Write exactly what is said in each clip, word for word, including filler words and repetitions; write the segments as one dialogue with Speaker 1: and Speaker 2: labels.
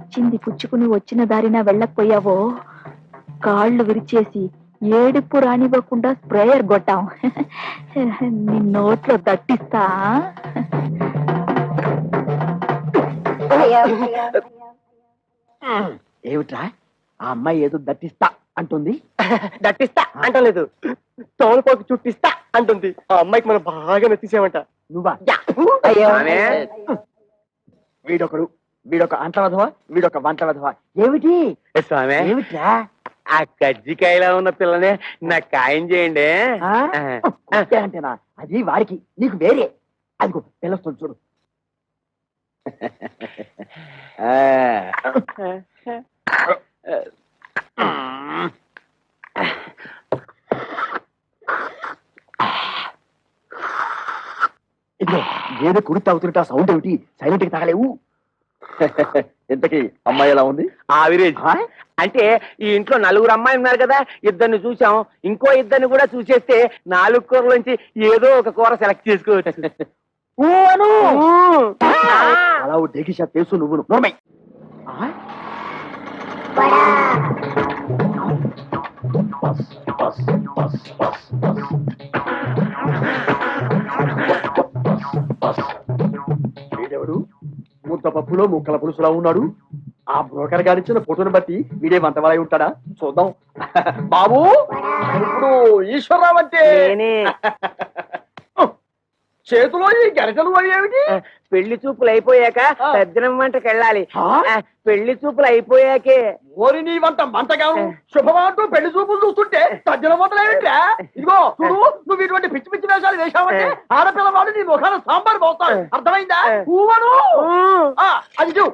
Speaker 1: ఇచ్చింది పుచ్చుకుని వచ్చిన దారిన వెళ్ళకపోయావో కాళ్ళు విరిచేసి ఏడుపు రానివ్వకుండా స్ప్రేయర్ కొట్టాం. నీ నోట్లో దట్టిస్తా.
Speaker 2: ఏమిట్రా ఆ అమ్మాయి ఏదో దట్టిస్తా అంటుంది?
Speaker 3: దట్టిస్తా అంటలేదు, తోలుపోకి చుట్టిస్తా అంటుంది. ఆ అమ్మాయికి మనం బాగా నచ్చేసామంట.
Speaker 2: నువ్వా? వీడొకడు, వీడొక అంట్ల వధవా, వీడొక వంట వధవా. ఏమిటి
Speaker 3: స్వామి?
Speaker 2: ఏమిట్రా?
Speaker 3: ఆ కజ్జికాయలా ఉన్న పిల్లనే నాకు ఖాయం చేయండి.
Speaker 2: అంటేనా? అది వారికి, నీకు వేరే. అదిగో పిల్లస్తుంది చూడు. ఇదిగో ఏదో కుడి తాగుతుంటే ఆ సౌండ్ ఏమిటి? సైలెంట్ కి తాగలేవు. ఇంతకీ అమ్మాయి ఎలా ఉంది?
Speaker 3: ఆవిరేజ్. అంటే ఈ ఇంట్లో నలుగురు అమ్మాయి ఉన్నారు కదా, ఇద్దరిని చూసాం, ఇంకో ఇద్దరిని కూడా చూసేస్తే నాలుగు కూరలోంచి ఏదో ఒక కూర సెలెక్ట్ చేసుకోవచ్చు.
Speaker 2: అలా డేకిషా తెలుసు నువ్వు. నోర్మై వీడెవడు? ముద్ద పప్పులో ముక్కల పులుసులా ఉన్నాడు. ఆ బ్రోకర్ గారిచ్చిన ఫోటోని బట్టి వీడే వంటవాలై ఉంటాడా? చూద్దాం. బాబు, ఇప్పుడు ఈశ్వరరావు అంటే చేతిలో ఈ గరిటలు ఏమిటి?
Speaker 3: పెళ్లి చూపులు అయిపోయాక సజ్జనం వంటకి వెళ్ళాలి. పెళ్లి చూపులు అయిపోయాకే.
Speaker 2: ఓరి నీ వంట మంటగాను శుభమంటూ పెళ్లి చూపులు చూస్తుంటే సజ్జన వంటలు ఏమిట్రా? ఇదిగో చూడు, నువ్వు ఇటువంటి పిచ్చి పిచ్చి వేషాలు వేశావంటే ఆడపిల్ల వాళ్ళు నీ ముఖాన సాంబార్ పోతాడు. అర్థమైందా? ఊవను అది చూ.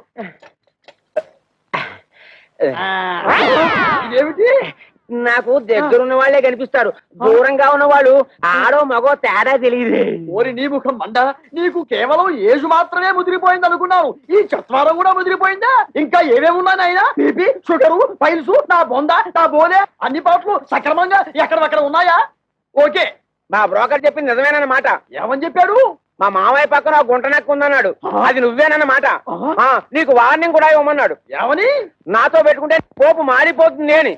Speaker 2: ఇదేమిటి?
Speaker 3: నాకు దగ్గరున్న వాళ్లే కనిపిస్తారు, దూరంగా ఉన్న వాళ్ళు ఆడో మగో తేడా తెలియదు.
Speaker 2: ఓరి నీ ముఖం మండ, నీకు కేవలం ఏజు మాత్రమే ముదిరిపోయింది అనుకున్నాను. ఈ చత్వారం కూడా ముదిరిపోయిందా? ఇంకా ఏమేమి ఉన్నాయి ఆయన? బీపీ, షుగరు, పైల్స్, నా బొంద, నా బోలే అన్ని పాటలు సక్రమంగా ఎక్కడెక్కడ ఉన్నాయా? ఓకే,
Speaker 3: మా బ్రోకర్ చెప్పింది నిజమేనన్నమాట.
Speaker 2: ఏమని చెప్పాడు?
Speaker 3: మా మామయ్య పక్కన గుంట నెక్క ఉందన్నాడు. అది నువ్వేనన్నమాట. నీకు వార్నింగ్ కూడా ఇవ్వమన్నాడు.
Speaker 2: ఏమని?
Speaker 3: నాతో పెట్టుకుంటే పోపు మారిపోతుంది అని.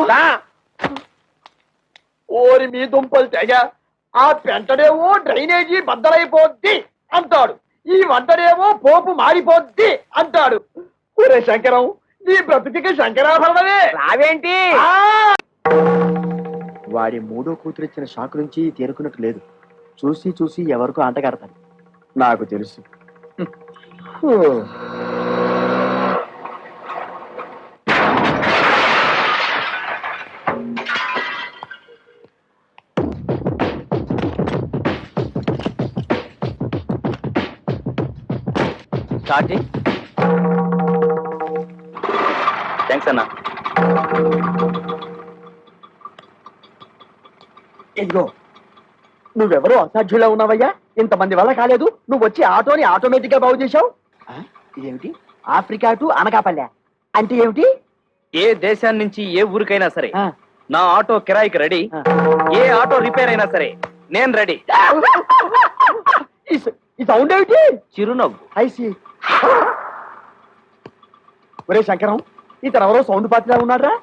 Speaker 2: ఓరి మీ దుంపలు తెగ, ఆ పెంటడేమో డ్రైనేజీ బద్దలైపోద్ది అంటాడు, ఈ వంటడేమో పోపు మారిపోద్ది అంటాడు. ఒరే శంకరం, నీ బ్రతుకి శంకరాభరణమే.
Speaker 3: రావేంటి?
Speaker 2: వాడి మూడో కూతురిచ్చిన షాకు నుంచి తేరుకున్నట్టు లేదు. చూసి చూసి ఎవరికో అంటగడతాను, నాకు తెలుసు.
Speaker 4: స్టార్టింగ్. థ్యాంక్స్ అన్నా.
Speaker 2: ఇదిగో, నువ్వెవరో అసాధ్యులా ఉన్నావయ్యా. ఇంతమంది వల్ల కాలేదు, నువ్వు వచ్చి ఆటోని ఆటోమేటిక్ గా బాగు చేశావు. ఇదేమిటి? ఆఫ్రికా టు అనకాపల్లె అంటే ఏమిటి?
Speaker 4: ఏ దేశాన్ని నుంచి ఏ ఊరికైనా సరే నా ఆటో కిరాయికి రెడీ. ఏ ఆటో రిపేర్ అయినా సరే నేను రెడీ.
Speaker 2: ఈ సౌండ్ ఏమిటి?
Speaker 4: చిరునవ్వు.
Speaker 2: ఐసి. ఒరే శంకరం, ఇతను ఎవరో సౌండ్ పాత్రలా ఉన్నాడ్రా.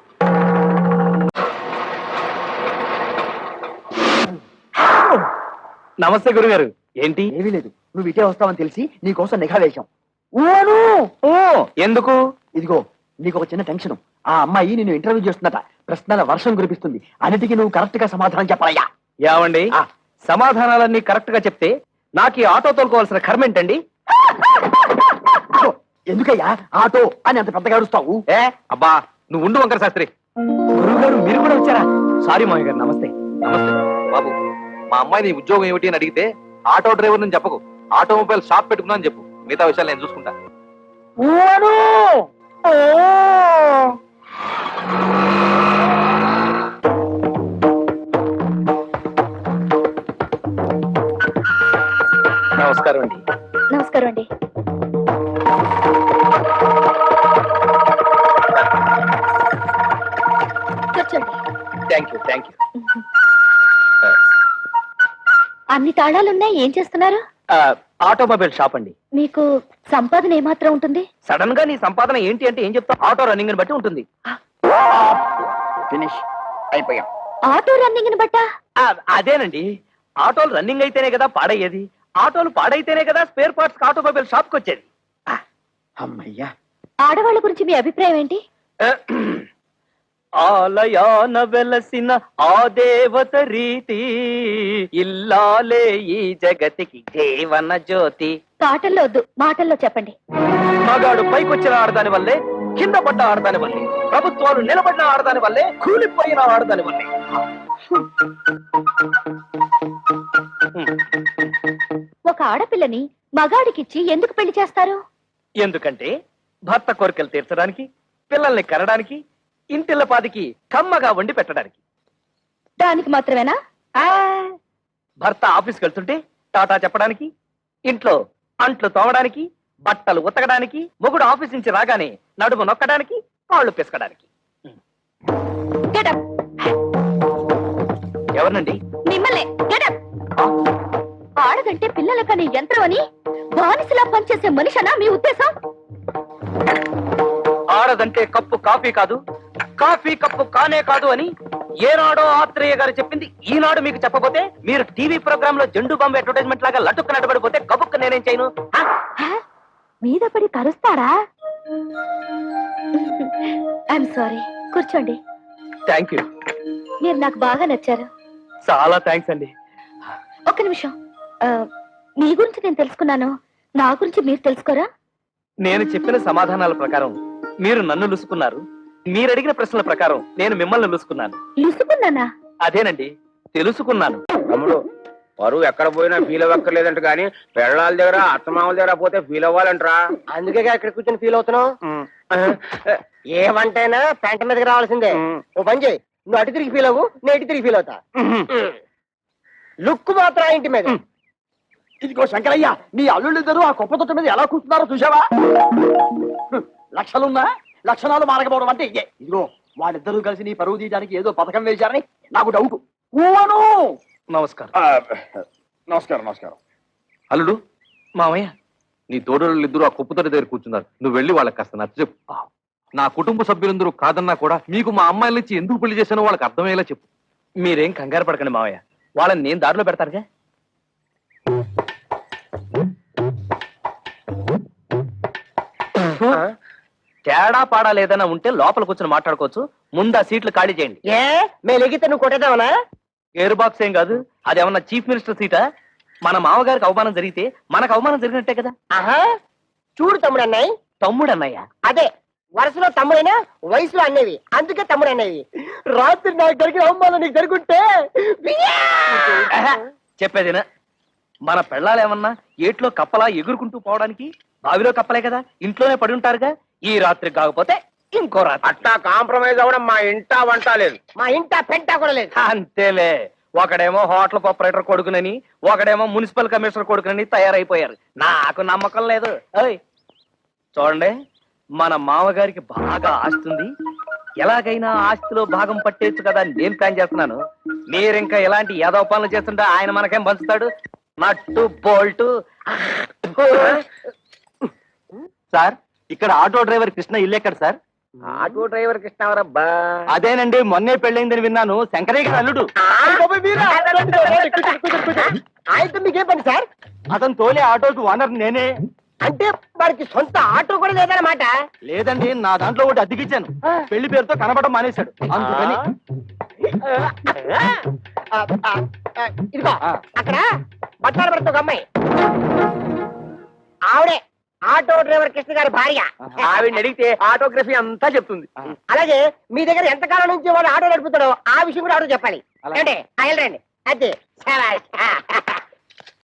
Speaker 4: నమస్తే గురుగారు. ఏంటి?
Speaker 2: ఏమీ లేదు, నువ్వు ఇటే వస్తావని తెలిసి నీకోసం నిఘా వేశాం.
Speaker 4: ఎందుకు?
Speaker 2: ఇదిగో, నీకు ఒక చిన్న టెన్షన్. ఆ అమ్మాయి నిన్ను ఇంటర్వ్యూ చేస్తుందట. ప్రశ్నల వర్షం కురిపిస్తుంది. అన్నిటికీ నువ్వు కరెక్ట్ గా సమాధానం చెప్పాలయ్యా.
Speaker 4: ఏమండి, సమాధానాలన్నీ కరెక్ట్ గా చెప్తే నాకు ఈ ఆటో తోలుకోవాల్సిన కర్మ ఏంటండి?
Speaker 2: ఎందుకయ్యా ఆటో అని అంత పెద్దగా అరుస్తావు?
Speaker 4: ఏ అబ్బా, నువ్వు ఉండు వంకర శాస్త్రి. గురువుగారు మీరు కూడా వచ్చారా? సారీ మామయ్య గారు. నమస్తే. నమస్తే బాబు. మా అమ్మాయి నీ ఉద్యోగం ఏమిటి అని అడిగితే ఆటో డ్రైవర్ అని చెప్పకు, ఆటోమొబైల్ షాప్ పెట్టుకున్నా అని చెప్పు. మిగతా విషయాలు నేను చూసుకుంటా. నమస్కారం అండి.
Speaker 1: నమస్కారం అండి. కూర్చోండి.
Speaker 4: Thank you thank you.
Speaker 1: అన్ని తాళాలున్నాయి, ఏం చేస్తున్నారు?
Speaker 3: ఆటోమొబైల్ షాప్ అండి.
Speaker 1: మీకు సంపాదన ఏమాత్రం ఉంటుంది?
Speaker 3: సడన్ గా నీ సంపాదన ఏంటి అంటే ఏం చెప్తావు? ఆటో రన్నింగ్ బట్టి ఉంటుంది.
Speaker 2: ఫినిష్ అయిపోయాం.
Speaker 1: ఆటో రన్నింగ్ బట్టా?
Speaker 3: ఆ, అదేనండి, ఆటోలు రన్నింగ్ అయితేనే కదా పాడయ్యేది, ఆటోలు పాడైతేనే కదా స్పేర్ పార్ట్స్ ఆటోమొబైల్ షాప్ కి వచ్చేది.
Speaker 2: అమ్మయ్యా.
Speaker 1: ఆడవాళ్ళ గురించి మీ అభిప్రాయం ఏంటి?
Speaker 3: ఆలయాన వెలసిన ఆ దేవత రీతి, ఇల్లాలే ఈ జగతికి జీవన జ్యోతి.
Speaker 1: పాటల్లో వద్దు, మాటల్లో చెప్పండి.
Speaker 3: మగాడు పైకొచ్చిన ఆడదాని వల్లే, కింద పడ్డ ఆడదాని వల్లే, ప్రభుత్వాలు నిలబడిన ఆడదాని వల్లే, కూలిపోయిన ఆడదాని వల్లే.
Speaker 1: ఒక ఆడపిల్లని మగాడికిచ్చి ఎందుకు పెళ్లి చేస్తారు?
Speaker 3: ఎందుకంటే భర్త కోరికలు తీర్చడానికి, పిల్లల్ని కనడానికి, ఇంటిల్లపాదికి కమ్మగా వండి పెట్టడానికి.
Speaker 1: దానికి మాత్రమేనా?
Speaker 3: ఆ, భర్త ఆఫీస్కి వెళ్తుంటే టాటా చెప్పడానికి, ఇంట్లో అంట్లు తోమడానికి, బట్టలు ఉతకడానికి, మొగుడు ఆఫీస్ నుంచి రాగానే నడుము నొక్కడానికి, కాళ్ళు పిసకడానికి.
Speaker 1: Get up.
Speaker 3: ఎవరినండి?
Speaker 1: మిమ్మల్ని. Get up. ఆడదంటే పిల్లల కనే యంత్రం అని బానిసలా పనిచేసే మనిషనా మీ ఉద్దేశం?
Speaker 3: ఆడదంటే కప్పు కాఫీ కాదు, కాఫీ కప్పు కానే కాదు అని ఏనాడో ఆత్రేయ గారు చెప్పింది ఈనాడు మీకు చెప్పబోతే, మీరు టీవీ ప్రోగ్రామ్ లో జెండు బాంబు అడ్వర్టైజ్మెంట్ లాగా లటుక్కు నడబడిపోతే కబుక్కు నేనేం చేయను?
Speaker 1: మీద పడి కరుస్తారా? I'm sorry. కూర్చోండి.
Speaker 3: Thank you.
Speaker 1: మీరు నాకు బాగా నచ్చారు.
Speaker 3: చాలా థ్యాంక్స్ అండి.
Speaker 1: ఒక్క నిమిషం. ఆ, మీ గురించి నేను తెలుసుకున్నాను, నా గురించి మీరు తెలుసుకోరా?
Speaker 3: నేను చెప్పిన సమాధానాల ప్రకారం మీరు నన్ను లుసుకున్నారు, మీరు అడిగిన ప్రశ్నల ప్రకారం నేను మిమ్మల్ని లుసుకున్నాను.
Speaker 1: లుసుకున్నానా?
Speaker 3: అదేనండి, తెలుసుకున్నాను.
Speaker 5: తమ్ముడు, పరువు ఎక్కడ పోయినా ఫీల్ అవ్వక్కర్లేదంట, కానీ పెళ్ళాల దగ్గర అత్తమామల దగ్గర పోతే ఫీల్ అవ్వాలంటరా.
Speaker 2: అందుకే ఇక్కడ కూర్చొని ఫీల్ అవుతున్నావు. ఏమంటైనా పెంట మీదకి రావాల్సిందే. ఓ పని చేయి, నువ్వు అటు తిరిగి ఫీల్ అవ్వు, నేను ఇటు తిరిగి ఫీల్ అవుతా. లుక్ మాత్రం ఆ ఇంటి మీద. ఇదిగో శంకరయ్య, నీ అల్లుళ్ళిద్దరూ ఆ కుప్ప తొట్ట మీద ఎలా కూర్చున్నారో చూసావా? లక్షలున్నా లక్షణాలు మారకపోవడం అంటే ఇదే. ఇదిగో వాళ్ళిద్దరూ కలిసి నీ పరువు తీయడానికి ఏదో పథకం వేశారని నాకు డౌట్.
Speaker 3: నమస్కారం.
Speaker 5: నమస్కారం నమస్కారం.
Speaker 4: అల్లుడు,
Speaker 3: మామయ్య,
Speaker 4: నీ తోడోళ్ళు ఇద్దరు ఆ కుప్పతోటి దగ్గర కూర్చున్నారు. నువ్వు వెళ్ళి వాళ్ళకి కాస్త నచ్చ చెప్పు. నా కుటుంబ సభ్యులందరూ కాదన్నా కూడా మీకు మా అమ్మాయిల నుంచి ఎందుకు పెళ్లి చేశానో వాళ్ళకి అర్థమయ్యేలా చెప్పు.
Speaker 3: మీరేం కంగారు పడకండి మామయ్య, వాళ్ళని నేను దారిలో పెడతారుగా. తేడా పాడా లేదన్నా ఉంటే లోపల కూర్చొని మాట్లాడుకోవచ్చు. ముందు ఆ సీట్లు ఖాళీ చేయండి.
Speaker 2: ఏ మేము ఎగితే నువ్వు కొట్టేదావనా?
Speaker 3: ఎయిర్ బాక్స్ ఏం కాదు, అది ఏమన్నా చీఫ్ మినిస్టర్ సీటా? మన మామగారికి అవమానం జరిగితే మనకు అవమానం జరిగినట్టే కదా.
Speaker 2: ఆహా, చూడు తమ్ముడు అన్నాయి.
Speaker 3: తమ్ముడు అన్నయ్య?
Speaker 2: అదే, వరుసలో తమ్ముడైనా వయసులో అన్నవి, అందుకే తమ్ముడు అన్నవి. రాత్రి నాకు జరిగిన అవమానం నీకు జరుగుంటే
Speaker 3: చెప్పేదినా, మన పెళ్ళాలు ఏమన్నా ఏట్లో కప్పలా ఎగురుకుంటూ పోవడానికి బావిలో కప్పలే కదా, ఇంట్లోనే పడి ఉంటారుగా. ఈ రాత్రి కాకపోతే ఇంకో రాత్రి.
Speaker 5: అట్టా కాంప్రమైజ్ అవ్వడం మా ఇంటా వంట లేదు,
Speaker 2: మా ఇంట పెంట కూడా లేదు.
Speaker 3: అంతేలే, ఒకడేమో హోటల్ ఆపరేటర్ కొడుకునని, ఒకడేమో మున్సిపల్ కమిషనర్ కొడుకునని తయారైపోయారు. నాకు నమ్మకం లేదు. ఓయ్ చూడండి, మన మామగారికి బాగా ఆస్తుంది, ఎలాగైనా ఆస్తిలో భాగం పట్టేచ్చు కదా అని నేను ప్లాన్ చేస్తున్నాను. మీరింకా ఎలాంటి యాదవ పనులు చేస్తుంటే ఆయన మనకేం పంచుతాడు? Nut bolt.
Speaker 4: సార్, ఇక్కడ ఆటో డ్రైవర్ కృష్ణ ఇల్లు ఎక్కడ సార్?
Speaker 5: Auto driver కృష్ణవరబ్బా.
Speaker 3: అదేనండి, మొన్నే పెళ్ళైందని విన్నాను, శంకరయ్య గారి అల్లుడు.
Speaker 2: ఆయనతో మీకేం పని సార్?
Speaker 3: అతను తోలే ఆటోకి ఓనర్ నేనే.
Speaker 2: అంటే వాడికి సొంత ఆటో కూడా లేదన్నమాట?
Speaker 3: లేదండి, నా దాంట్లో ఒకటి అద్దెకిచ్చాను, పెళ్లి పేరుతో కనబడడం మానేశాడు, అందుకని.
Speaker 2: ఇదిగో అక్కడ బట్టాల భర్త ఒక అమ్మాయి, ఆవిడే ఆటో డ్రైవర్ కృష్ణ గారి భార్య.
Speaker 3: ఆవిడని అడిగితే ఆటోగ్రఫీ అంతా చెప్తుంది.
Speaker 2: అలాగే మీ దగ్గర ఎంతకాలం నుంచి వాడు ఆటో నడుపుతాడో ఆ విషయం కూడా ఆటో చెప్పాలి. అంటే వెళ్ళండి. అదే